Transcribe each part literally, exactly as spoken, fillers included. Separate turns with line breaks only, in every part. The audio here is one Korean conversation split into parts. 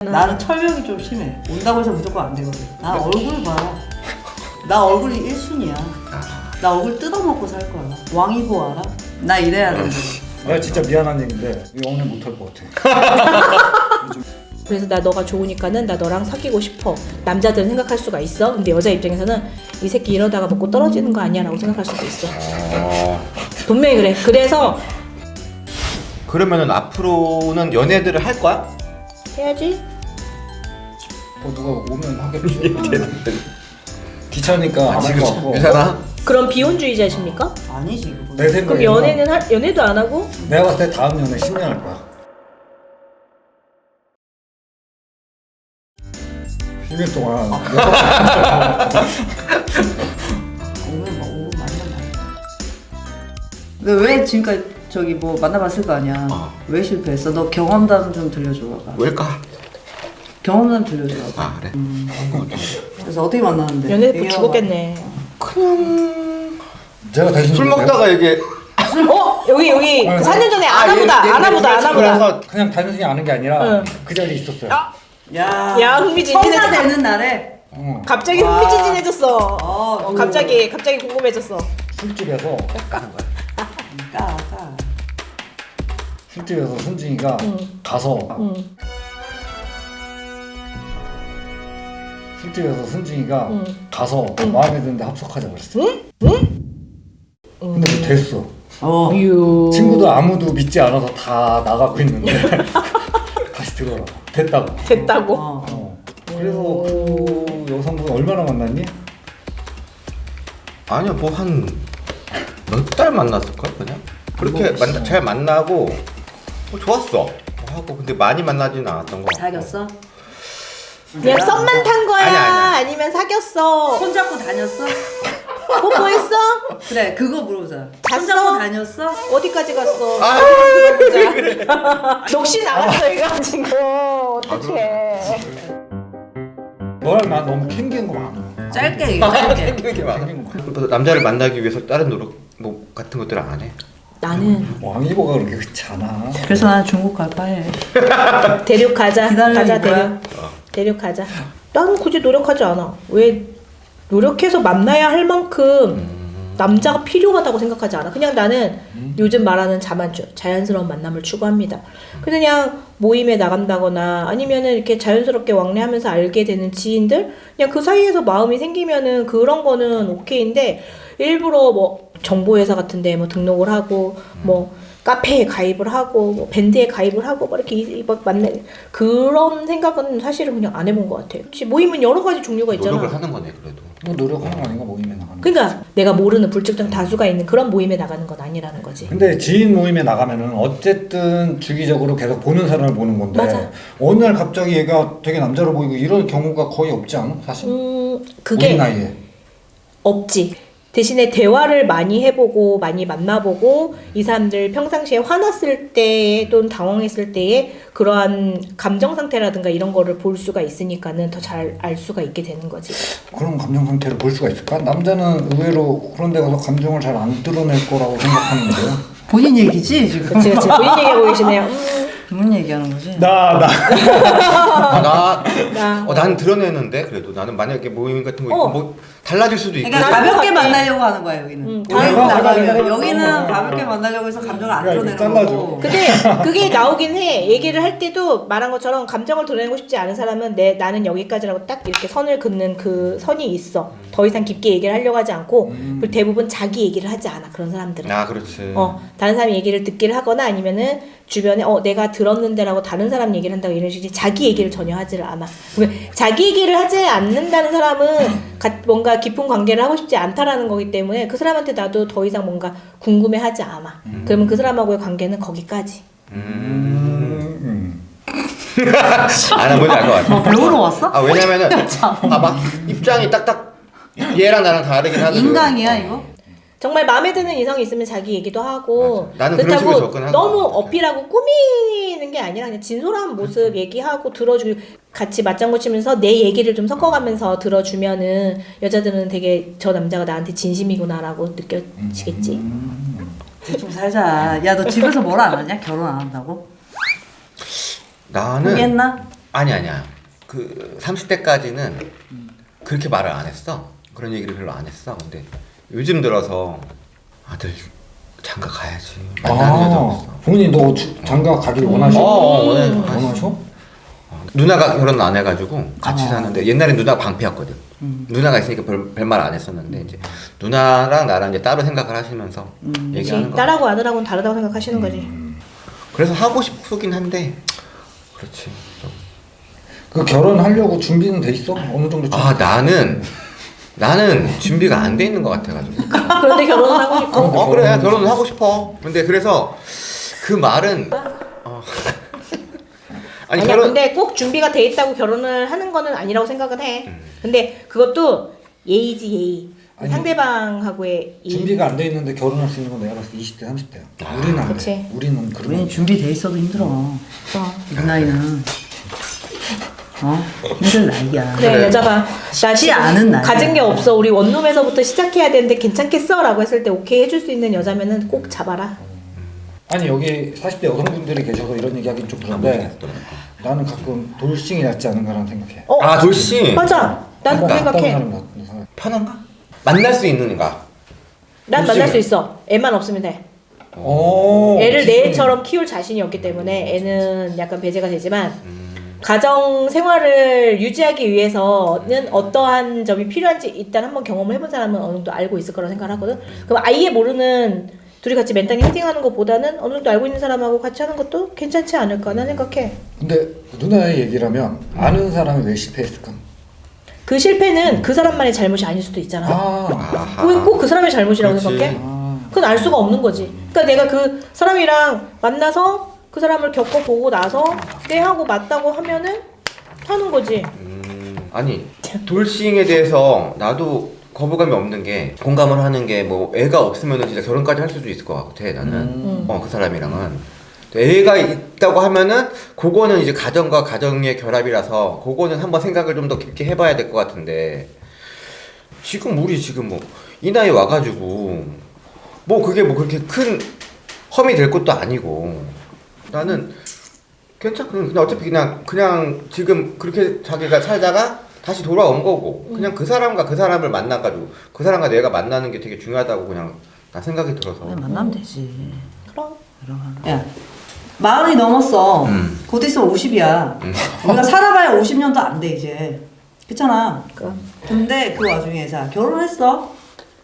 나는 철벽이 좀 심해. 온다고 해서 무조건 안 되거든. 나 얼굴 봐. 나 얼굴이 일 순위야. 나 얼굴 뜯어먹고 살 거야. 왕이보 알아? 나 이래야 돼.
내가 진짜 미안한 얘기인데 이거 오늘 못할 것 같아.
그래서 나 너가 좋으니까는 나 너랑 사귀고 싶어. 남자들은 생각할 수가 있어. 근데 여자 입장에서는 이 새끼 이러다가 먹고 떨어지는 거 아니야 라고 생각할 수도 있어.
어...
분명히 그래. 그래서
그러면은 앞으로는 연애들을 할 거야?
해야지.
뭐 누가 오면 하겠지. 귀찮으니까 안 할 것 같고.
괜찮아?
그럼 비혼주의자십니까?
아니지 그거.
내 생각에
그럼 연애는 할, 연애도 안 하고?
내가 봤을 때 다음 연애 십 년 할 거야. 십 년 동안
오늘 뭐 오늘 만나봐. 근데 왜 지금까지 저기 뭐 만나봤을 거 아니야?
어.
왜 실패했어? 너 경험담 좀 들려줘 봐봐.
왜일까?
경험담 들려줘 봐봐.
아 그래?
음. 그래서 어떻게 만났는데?
연애 듣고
얘기해봐.
죽었겠네.
그냥...
제가 대신
술 먹다가 이게
어? 여기 여기 그 사 년 전에 아나보다
얘- 얘-
아나보다
얘-
아나보다.
그래서
그냥 단순히 아는 게 아니라
응.
그 자리에 있었어요.
야,
야, 흥미진진해졌다.
성사 되는 날에
응.
갑자기
와.
흥미진진해졌어.
어,
어,
그-
갑자기 갑자기 궁금해졌어.
술집에서
까, 까.
술집에서 순진이가
응.
가서
응.
술집에서 순진이가
응.
가서
응.
마음에 드는데 합석하자 그랬어.
응? 응?
근데 그게 됐어.
어.
유.
친구들 아무도 믿지 않아서 다 나가고 있는데 다시 들어라. 됐다고.
됐다고.
어.
어. 그래서 그 여성분 얼마나 만났니?
아니야 뭐 한 몇 달 만났을걸 그냥? 그렇게 만나, 잘 만나고 뭐 좋았어 뭐 하고 근데 많이 만나지는 않았던 거 같고.
사귀었어?
그냥 썸만 탄 거야?
아니, 아니야.
아니면 사귀었어?
손잡고 다녔어?
뽀뽀했어?
그래 그거 물어보자.
잤어?
손잡고 다녔어?
어디까지 갔어?
아,
들어보자. 녹시 나갔어 얘가 지금. 어떡해.
너랑 나 너무 캥기는 거 많아.
짧게 얘기해 짧게.
이렇게 많아. 그래서 남자를 만나기 위해서 다른 노력 뭐 같은 것들을 안 해?
나는
왕이보가 그렇게 그렇지 않아.
그래서 나는 중국 갈까 해.
대륙 가자.
기다리는
가자
거야?
대륙. 대륙 가자. 나는 굳이 노력하지 않아. 왜 노력해서 만나야 할 만큼 남자가 필요하다고 생각하지 않아. 그냥 나는 요즘 말하는 자만주, 자연스러운 만남을 추구합니다. 그냥 모임에 나간다거나 아니면은 이렇게 자연스럽게 왕래하면서 알게 되는 지인들, 그냥 그 사이에서 마음이 생기면은 그런 거는 오케이인데 일부러 뭐 정보회사 같은데 뭐 등록을 하고 뭐 카페에 가입을 하고 뭐 밴드에 가입을 하고 뭐 이렇게 이- 막 만나 그런 생각은 사실은 그냥 안 해본 것 같아요. 혹시 모임은 여러 가지 종류가 있잖아.
노력을 하는 거네 그래도.
뭐 노력하는 거 아닌가 모임에 나가는 거.
그러니까 내가 모르는 불특정 다수가 있는 그런 모임에 나가는 건 아니라는 거지.
근데 지인 모임에 나가면은 어쨌든 주기적으로 계속 보는 사람을 보는 건데
맞아.
어느 날 갑자기 얘가 되게 남자로 보이고 이런 경우가 거의 없지 않아? 사실?
음,
우리
그게
나이에.
없지. 대신에 대화를 많이 해보고 많이 만나보고 이 사람들 평상시에 화났을 때 또는 당황했을 때의 그러한 감정 상태라든가 이런 거를 볼 수가 있으니까는 더 잘 알 수가 있게 되는 거지.
그런 감정 상태를 볼 수가 있을까? 남자는 의외로 그런 데 가서 감정을 잘 안 드러낼 거라고 생각하는데요.
본인 얘기지 지금?
그치 그치. 본인 얘기하고 계시네요. 음,
본인 얘기하는 거지?
나, 나.
아, 나,
나.
어, 난 드러내는데 그래도 나는 만약에 모임 같은 거 있고
어.
뭐 달라질 수도 있고.
그러니까
나도
가볍게
같아.
만나려고 하는 거야 여기는.
응,
여기는
가볍게
나가면
만나려고
여기는
하는 거야.
가볍게 만나려고 해서 감정을 안
야, 이거
드러내는
잘라줘.
거고.
근데 그게 나오긴 해. 얘기를 할 때도 말한 것처럼 감정을 드러내고 싶지 않은 사람은 내 나는 여기까지라고 딱 이렇게 선을 긋는 그 선이 있어. 더 이상 깊게 얘기를 하려고 하지 않고 그리고 대부분 자기 얘기를 하지 않아. 그런 사람들은.
아 그렇지.
어, 다른 사람 얘기를 듣기를 하거나 아니면은 주변에 어 내가 들었는데라고 다른 사람 얘기를 한다고 이런 식이 자기 얘기를 전혀 하지를 않아. 그러면 자기 얘기를 하지 않는다는 사람은 가, 뭔가 깊은 관계를 하고 싶지 않다라는 거기 때문에 그 사람한테 나도 더 이상 뭔가 궁금해하지 않아.
음.
그러면 그 사람하고의 관계는 거기까지.
음.
음.
아나 뭔지 알 것 같아.
뭐 배우러 왔어?
아 왜냐면은 봐봐 입장이 딱딱 얘랑 나랑 다르긴 하거든.
인강이야 이거?
정말 마음에 드는 이성이 있으면 자기 얘기도 하고
맞아. 나는 그런 식으로 접근하는
너무
것 같아.
어필하고 꾸미는 게 아니라 그냥 진솔한 모습 얘기하고 들어주고 같이 맞장구 치면서 내 얘기를 좀 섞어가면서 들어주면은 여자들은 되게 저 남자가 나한테 진심이구나라고 느껴지겠지.
좀 살자. 야 너 집에서 뭘 안 하냐? 결혼 안 한다고?
나는
포기했나?
아니 아니야. 그 삼십 대까지는 그렇게 말을 안 했어. 그런 얘기를 별로 안 했어. 근데 요즘 들어서 아들 장가 가야지. 만나는 여자 없어.
부모님 너 주- 장가 가길 원하셔?
어, 어, 원해.
원하셔?
어, 누나가 결혼 안 해가지고 같이
아.
사는데 옛날엔 누나가 방패였거든.
음.
누나가 있으니까 별 말 안 했었는데 이제 누나랑 나랑 이제 따로 생각을 하시면서
음.
그치.
얘기하는 거.
딸하고 아들하고는 다르다고 생각하시는 거지.
그래서 하고 싶긴 한데 그렇지. 좀.
그 결혼하려고 준비는 돼 있어? 어느 정도 준비?
아 나는 나는 준비가 안 돼 있는 것 같아가지고.
그런데 결혼을 하고 싶어.
어, 어 그래 결혼을 하고 싶어. 근데 그래서 그 말은 어. 아니
아니야,
결혼
근데 꼭 준비가 돼 있다고 결혼을 하는 거는 아니라고 생각은 해.
음.
근데 그것도 예의지 예의.
아니,
상대방하고의 예의.
준비가 안 돼 있는데 결혼할 수 있는 건 내가 봤을 때 이십 대, 삼십 대야.
아,
우리는 안
그치.
돼. 우리는 그런
우리는 준비돼 있어도 힘들어.
어.
이 나이는 어 힘들 나이야.
그래,
그래.
여자가 나
쉽지
지금
않은 나이야.
가진 게 없어. 우리 원룸에서부터 시작해야 되는데 괜찮겠어? 라고 했을 때 오케이 해줄 수 있는 여자면은 꼭 잡아라.
아니 여기 사십 대 여성분들이 계셔서 이런 얘기 하긴 좀 그런데 나는 가끔 돌싱이 낫지 않은가라는 생각해.
어?
아 돌씨
맞아. 난
뭐
그렇게
어떤
생각해.
사람 낫는 사람.
편한가? 만날 수 있는가?
난
돌싱은?
만날 수 있어. 애만 없으면 돼.
오,
애를
기준이.
내 애처럼 키울 자신이 없기 때문에 애는 약간 배제가 되지만
음,
가정 생활을 유지하기 위해서는 어떠한 점이 필요한지 일단 한번 경험을 해본 사람은 어느 정도 알고 있을 거라고 생각을 하거든. 그럼 아예 모르는 둘이 같이 맨땅에 헤딩하는 것보다는 어느 정도 알고 있는 사람하고 같이 하는 것도 괜찮지 않을까 난 생각해.
근데 누나의 얘기라면 아는 사람이 왜 실패했을까?
그 실패는 그 사람만의 잘못이 아닐 수도 있잖아.
아,
아하.
왜 꼭 그 사람의 잘못이라고
그렇지.
생각해?
아.
그건 알 수가 없는 거지. 그러니까 내가 그 사람이랑 만나서 그 사람을 겪어보고 나서 네 하고 맞다고 하면은 하는 거지.
음, 아니 돌싱에 대해서 나도 거부감이 없는 게 공감을 하는 게 뭐 애가 없으면은 진짜 결혼까지 할 수도 있을 것 같아 나는.
음.
어 그 사람이랑은 애가 있다고 하면은 그거는 이제 가정과 가정의 결합이라서 그거는 한번 생각을 좀 더 깊게 해봐야 될 것 같은데 지금 우리 지금 뭐 이 나이 와가지고 뭐 그게 뭐 그렇게 큰 험이 될 것도 아니고 나는 괜찮 그냥 어차피 그냥 그냥 지금 그렇게 자기가 살다가 다시 돌아온 거고 그냥 그 사람과 그 사람을 만나가지고 그 사람과 내가 만나는 게 되게 중요하다고 그냥 나 생각이 들어서
그냥 만나면 되지.
그럼.
야, 마흔이 넘었어.
음.
곧 있으면 오십이야.
음.
우리가 살아봐야 오십 년도 안 돼 이제. 그렇잖아.
그럼.
근데 그 와중에 자 결혼했어.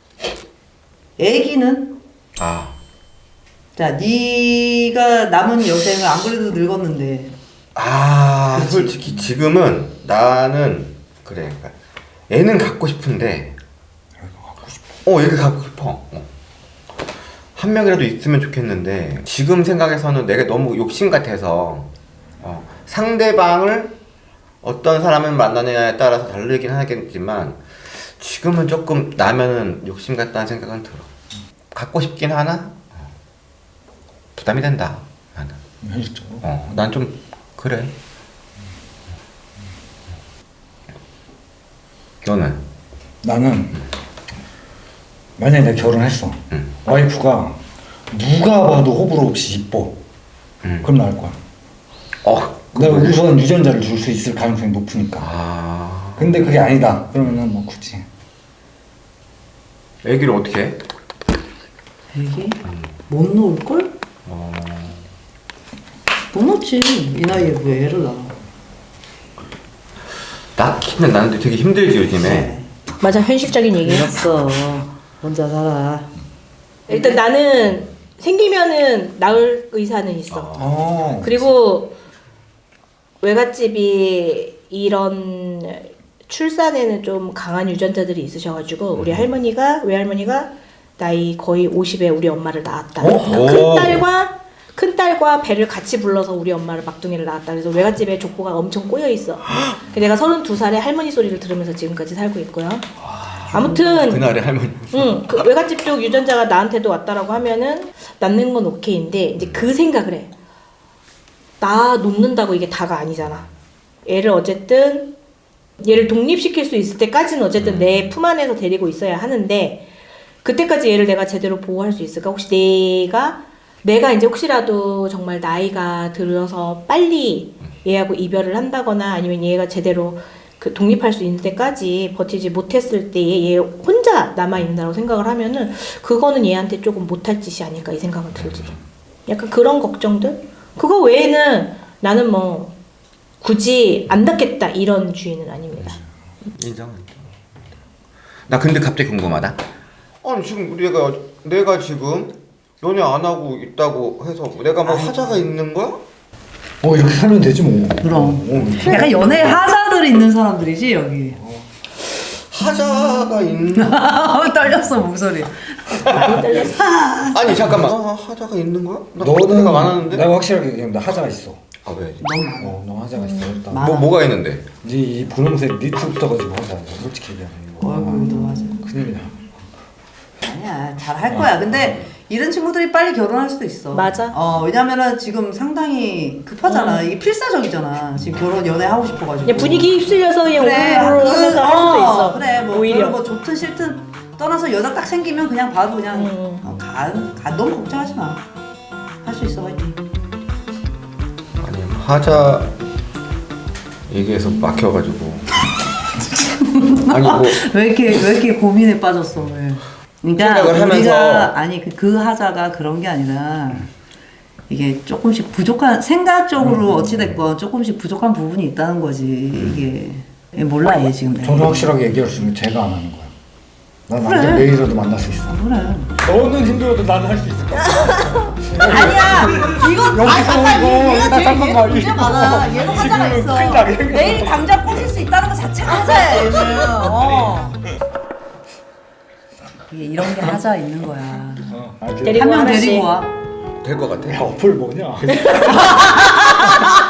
애기는
아
자 네가 남은 여생을 안 그래도 늙었는데
아
그치.
솔직히 지금은 나는 그래 그러니까 애는 갖고 싶은데 어 얘를 갖고 싶어 어. 한 명이라도 있으면 좋겠는데 지금 생각에서는 내가 너무 욕심 같아서 어, 상대방을 어떤 사람을 만나느냐에 따라서 다르긴 하겠지만 지금은 조금 나면은 욕심 같다는 생각은 들어. 갖고 싶긴 하나 어, 부담이 된다 나는.
현실적으로.
어, 난 좀 그래. 너는?
나는 만약에 내가 결혼했어.
응.
와이프가 누가 봐도 호불호 없이 이뻐.
응.
그럼 나을 거야.
어.
내가
그거를-
우선 유전자를 줄 수 있을 가능성이 높으니까.
아.
근데 그게 아니다. 그러면은 뭐 굳이.
애기를 어떻게 해?
애기 못 놓을 걸?
어.
못 놓지. 이 나이에 왜 애를 낳아?
낳기는 나는데 되게 힘들지 요즘에.
네.
맞아, 현실적인 얘기야.
늙었어. 혼자 살아.
일단 나는 생기면은 낳을 의사는 있어.
어.
그리고 외갓집이 이런 출산에는 좀 강한 유전자들이 있으셔가지고 우리 할머니가 외할머니가 나이 거의 오십에 우리 엄마를 낳았다.
어?
큰 딸과 큰 딸과 배를 같이 불러서 우리 엄마를 막둥이를 낳았다. 그래서 외갓집에 족보가 엄청 꼬여 있어. 내가 서른두 살에 할머니 소리를 들으면서 지금까지 살고 있고요. 아무튼
그날의 할머니.
응, 그 외갓집 쪽 유전자가 나한테도 왔다라고 하면은 낳는 건 오케이인데 이제 그 생각을 해. 나 놓는다고 이게 다가 아니잖아. 애를 어쨌든 얘를 독립시킬 수 있을 때까지는 어쨌든 내 품 안에서 데리고 있어야 하는데 그때까지 얘를 내가 제대로 보호할 수 있을까? 혹시 내가 내가 이제 혹시라도 정말 나이가 들어서 빨리 얘하고 이별을 한다거나 아니면 얘가 제대로 그 독립할 수 있는 때까지 버티지 못했을 때에 얘 혼자 남아 있는다고 생각을 하면은 그거는 얘한테 조금 못할 짓이 아닐까 이 생각은 들지. 약간 그런 걱정들. 그거 외에는 나는 뭐 굳이 안 닿겠다 이런 주의는 아닙니다.
인정한다. 나 근데 갑자기 궁금하다. 아니 지금 내가 내가 지금 연애 안 하고 있다고 해서 내가 뭐 하자가 있는 거야?
어 이렇게 살면 되지 뭐.
그럼.
어,
약간 연애 하자들이 있는 사람들이지 여기.
하자가 있는
떨렸어 목소리.
많이 떨렸어.
아니 잠깐만. 아, 하자가 있는 거야? 나
너는
내가 많았는데.
내가 확실하게 얘기한다. 하자가 있어.
아 왜?
너무 많아.
어, 너 하자가 있어. 일단.
많아.
뭐 뭐가 있는데?
네이 분홍색 니트부터 가지고 하자. 솔직히 얘기하면 이거.
얼굴도 하자.
큰일이야.
아니야 잘 할 거야. 근데 이런 친구들이 빨리 결혼할 수도 있어.
맞아.
어 왜냐면은 지금 상당히 급하잖아. 이게 필사적이잖아. 지금 결혼 연애 하고 싶어가지고.
그냥 분위기 휩쓸려서 그냥
그래.
오글오글
그,
하면서 할 수도 있어.
그래 뭐
오히려.
오히려 뭐 좋든 싫든 떠나서 여자 딱 생기면 그냥 봐도 그냥
음.
어, 가, 가 너무 걱정하지 마. 할 수 있어 화이팅.
아니 하자 얘기해서 막혀가지고. 아니 뭐
왜 이렇게 왜 이렇게 고민에 빠졌어? 왜? 그러니까
생각을 하면서.
우리가 아니 그, 그 하자가 그런 게 아니라 이게 조금씩 부족한 생각적으로 어찌 됐건 조금씩 부족한 부분이 있다는 거지. 이게 얘 몰라 얘 지금. 내가.
저는 확실하게 얘기할 수 있는 게 제가 안 하는 거야. 난
그래.
남자 내일이라도 만날 수 있어.
그래.
너는 힘들어도 나는 할 수 있을 거야.
아니야 이거 아니
여기서
잠깐
이거,
얘가
여기다
제일
잠깐만,
얘가 문제
이거.
많아. 얘도 하자가
지금
있어.
큰일 나게.
내일 당장 꼬실 수 있다는 거 자체가 하자야 얘는. 어. 이게 이런 게 하자 있는 거야.
어, 알지?
데리고
한 명
하나씩.
데리고 와.
될 것 같아.
야 어플 뭐냐?